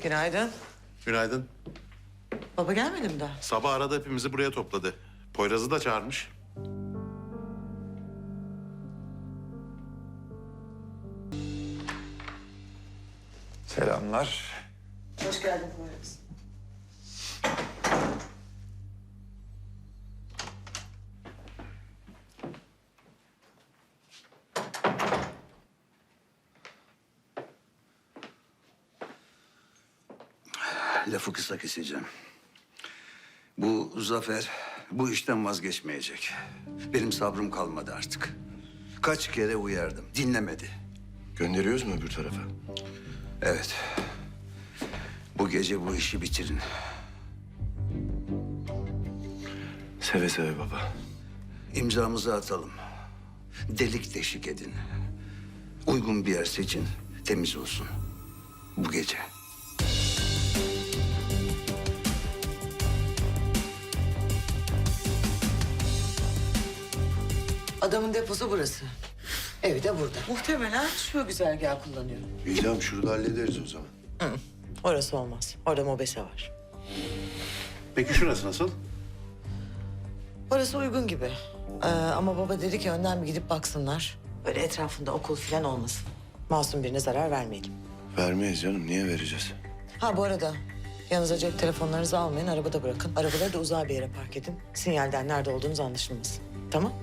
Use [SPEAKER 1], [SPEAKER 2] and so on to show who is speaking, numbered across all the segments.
[SPEAKER 1] Günaydın.
[SPEAKER 2] Günaydın.
[SPEAKER 1] Baba gelmedi mi daha?
[SPEAKER 2] Sabah arada hepimizi buraya topladı. Poyraz'ı da çağırmış.
[SPEAKER 3] Selamlar.
[SPEAKER 1] Hoş geldin Poyraz.
[SPEAKER 4] Lafı kısa keseceğim. Bu Zafer bu işten vazgeçmeyecek. Benim sabrım kalmadı artık. Kaç kere uyardım, dinlemedi.
[SPEAKER 5] Gönderiyoruz mu öbür tarafa?
[SPEAKER 4] Evet. Bu gece bu işi bitirin.
[SPEAKER 5] Seve seve baba.
[SPEAKER 4] İmzamızı atalım. Delik deşik edin. Uygun bir yer seçin, temiz olsun. Bu gece.
[SPEAKER 1] Adamın deposu burası. Evi de burada. Muhtemelen şu güzergahı kullanıyor.
[SPEAKER 5] İyi tamam şurada hallederiz o zaman.
[SPEAKER 1] Orası olmaz. Orada mobese var.
[SPEAKER 2] Peki şurası nasıl?
[SPEAKER 1] Orası uygun gibi. Ama baba dedi ki önden bir gidip baksınlar. Böyle etrafında okul falan olmasın. Masum birine zarar vermeyelim.
[SPEAKER 5] Vermeyiz canım. Niye vereceğiz?
[SPEAKER 1] Ha bu arada yanınıza cep telefonlarınızı almayın, arabada bırakın. Arabaları da uzağa bir yere park edin. Sinyalden nerede olduğunuz anlaşılmasın. Tamam?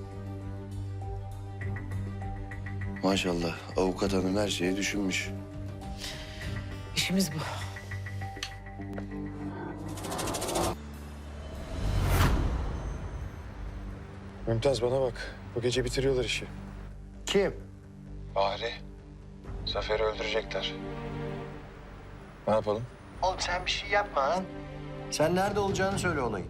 [SPEAKER 5] Maşallah avukat hanım her şeyi düşünmüş.
[SPEAKER 1] İşimiz bu.
[SPEAKER 3] Mümtaz bana bak. Bu gece bitiriyorlar işi.
[SPEAKER 6] Kim?
[SPEAKER 3] Bahri. Zafer'i öldürecekler. Ne yapalım?
[SPEAKER 6] Oğlum sen bir şey yapma lan. Sen nerede olacağını söyle olayın.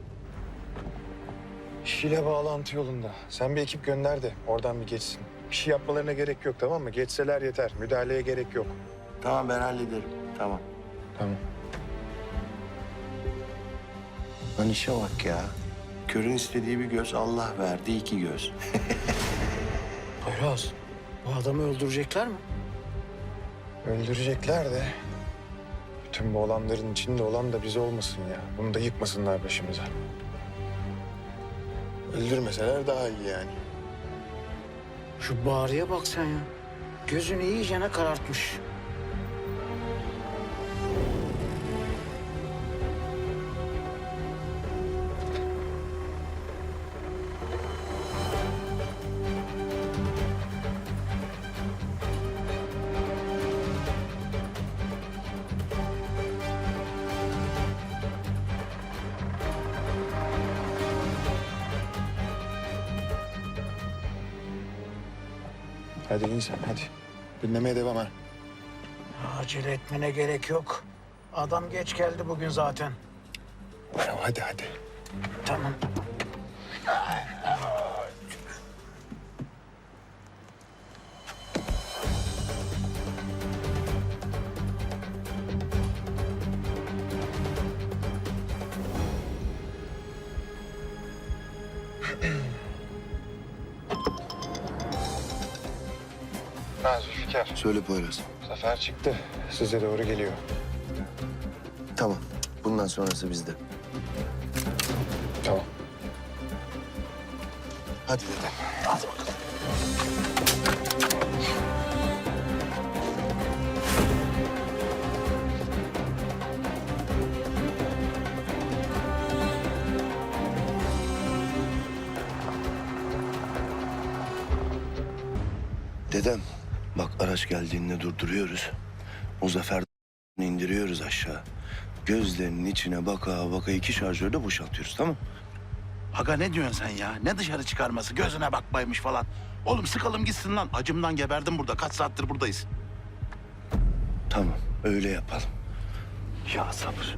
[SPEAKER 3] İşiyle bağlantı yolunda. Sen bir ekip gönder de oradan bir geçsin. Bir şey yapmalarına gerek yok, tamam mı? Geçseler yeter. Müdahaleye gerek yok.
[SPEAKER 6] Tamam ben hallederim. Tamam.
[SPEAKER 3] Tamam.
[SPEAKER 6] Lan işe bak ya. Körün istediği bir göz, Allah verdi iki göz.
[SPEAKER 7] Poyraz, bu adamı öldürecekler mi?
[SPEAKER 3] Öldürecekler de... bütün bu olanların içinde olan da biz olmasın ya. Bunu da yıkmasınlar başımıza. Öldürmeseler daha iyi yani.
[SPEAKER 7] Şu Bahri'ye bak sen ya. Gözünü iyicene karartmış.
[SPEAKER 3] Hadi in sen, hadi. Dinlemeye devam ha.
[SPEAKER 7] Acele etmene gerek yok. Adam geç geldi bugün zaten.
[SPEAKER 3] Tamam, hadi, hadi.
[SPEAKER 7] Tamam.
[SPEAKER 3] Ha Zülfikar.
[SPEAKER 5] Söyle Poyraz.
[SPEAKER 3] Zafer çıktı. Size doğru geliyor.
[SPEAKER 5] Tamam. Bundan sonrası bizde.
[SPEAKER 3] Tamam.
[SPEAKER 5] Hadi dedem.
[SPEAKER 7] Hadi bakalım.
[SPEAKER 5] Dedem bak araç geldiğinde durduruyoruz. O Zafer indiriyoruz aşağı. Gözlerinin içine baka baka 2 şarjörü de boşaltıyoruz, tamam?
[SPEAKER 8] Aga ne diyorsun sen ya? Ne dışarı çıkarması? Gözüne bakmaymış falan. Oğlum sıkalım gitsin lan. Acımdan geberdim burada. Kaç saattir buradayız.
[SPEAKER 5] Tamam öyle yapalım. Ya sabır.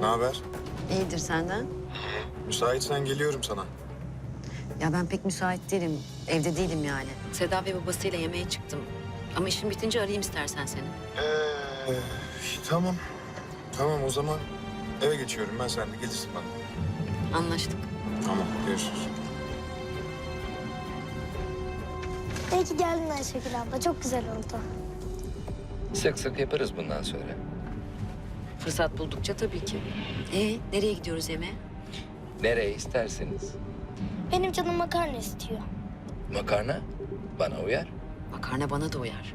[SPEAKER 3] Ne haber?
[SPEAKER 9] İyidir senden.
[SPEAKER 3] Müsaitsen geliyorum sana.
[SPEAKER 9] Ya ben pek müsait değilim. Evde değilim yani. Seda ve babasıyla yemeğe çıktım. Ama işim bitince arayayım istersen seni.
[SPEAKER 3] Tamam. Tamam o zaman eve geçiyorum ben, sen de gelirsin bana.
[SPEAKER 9] Anlaştık.
[SPEAKER 3] Tamam, görüşürüz.
[SPEAKER 10] İyi ki geldin Ayşegül abla. Çok güzel oldu.
[SPEAKER 11] Sık sık yaparız bundan sonra.
[SPEAKER 9] Fırsat buldukça tabii ki. Nereye gidiyoruz yemeğe?
[SPEAKER 11] Nereye isterseniz.
[SPEAKER 10] Benim canım makarna istiyor.
[SPEAKER 11] Makarna bana uyar.
[SPEAKER 9] Makarna bana da uyar.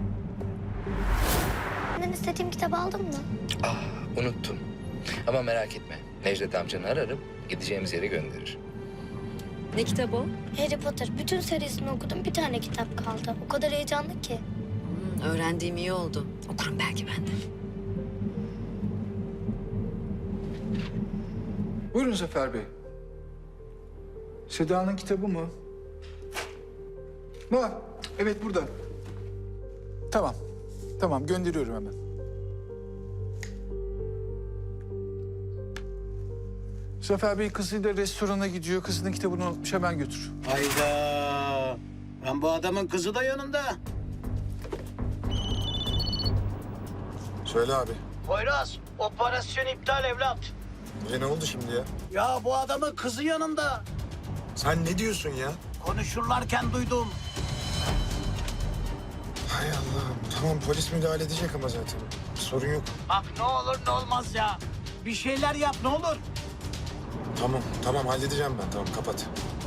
[SPEAKER 10] Senden istediğim kitabı aldın mı?
[SPEAKER 11] Ah, unuttum. Ama merak etme. Necdet amcanı ararım, gideceğimiz yere gönderir.
[SPEAKER 9] Ne kitabı o?
[SPEAKER 10] Harry Potter. Bütün serisini okudum. Bir tane kitap kaldı. O kadar heyecanlı ki.
[SPEAKER 9] Öğrendiğim iyi oldu. Okurum belki ben de.
[SPEAKER 12] Buyurun Zafer Bey. Seda'nın kitabı mı? Var. Evet burada. Tamam. Tamam gönderiyorum hemen. Zafer Bey kızıyla restorana gidiyor. Kızının kitabını unutmuş. Hemen götür.
[SPEAKER 7] Hayda. Ben bu adamın kızı da yanında.
[SPEAKER 3] Söyle abi.
[SPEAKER 7] Poyraz, operasyon iptal evlat.
[SPEAKER 3] Ne oldu şimdi ya?
[SPEAKER 7] Ya bu adamın kızı yanında.
[SPEAKER 3] Sen ne diyorsun ya?
[SPEAKER 7] Konuşurlarken duydum.
[SPEAKER 3] Hay Allah'ım. Tamam, polis müdahale edecek ama zaten. Sorun yok.
[SPEAKER 7] Bak ne olur ne olmaz ya. Bir şeyler yap ne olur.
[SPEAKER 3] Tamam, tamam halledeceğim ben. Tamam, kapat.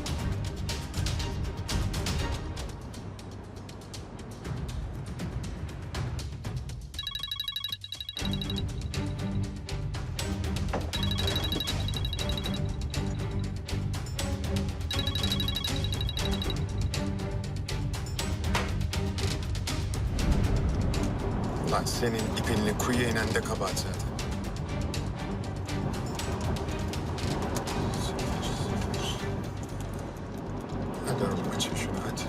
[SPEAKER 3] Lan senin ipinle kuyuya inen de kabahat zaten. Hadi oğlum açın şunu hadi.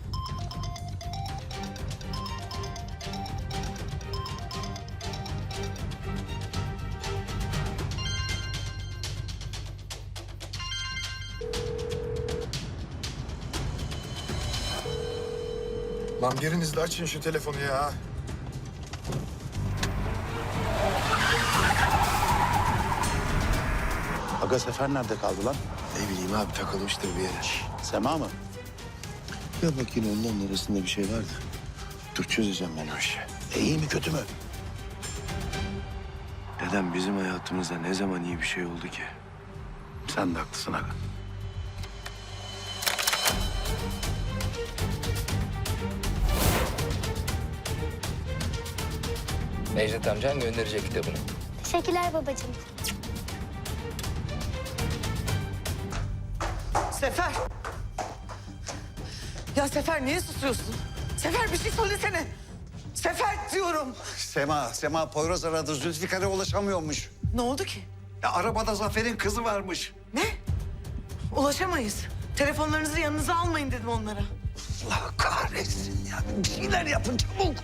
[SPEAKER 3] Lan biriniz de açın şu telefonu ya.
[SPEAKER 8] Aga Sefer nerede kaldı lan?
[SPEAKER 5] Ne bileyim abi, takılmıştır bir yere.
[SPEAKER 8] Sema mı?
[SPEAKER 5] Ya bak, yine onların arasında bir şey vardı. Dur çözeceğim ben o işi.
[SPEAKER 8] İyi mi kötü mü?
[SPEAKER 5] Dedem, bizim hayatımızda ne zaman iyi bir şey oldu ki?
[SPEAKER 8] Sen de haklısın aga.
[SPEAKER 11] Necdet amcan gönderecek kitabını.
[SPEAKER 10] Teşekkürler babacığım.
[SPEAKER 1] Sefer! Ya Sefer niye susuyorsun? Sefer bir şey söylesene. Sefer diyorum.
[SPEAKER 4] Sema Poyraz aradı. Zülfikar'a ulaşamıyormuş.
[SPEAKER 1] Ne oldu ki?
[SPEAKER 4] Ya arabada Zafer'in kızı varmış.
[SPEAKER 1] Ne? Ulaşamayız. Telefonlarınızı yanınıza almayın dedim onlara.
[SPEAKER 4] Allah kahretsin ya. Bir şeyler yapın çabuk.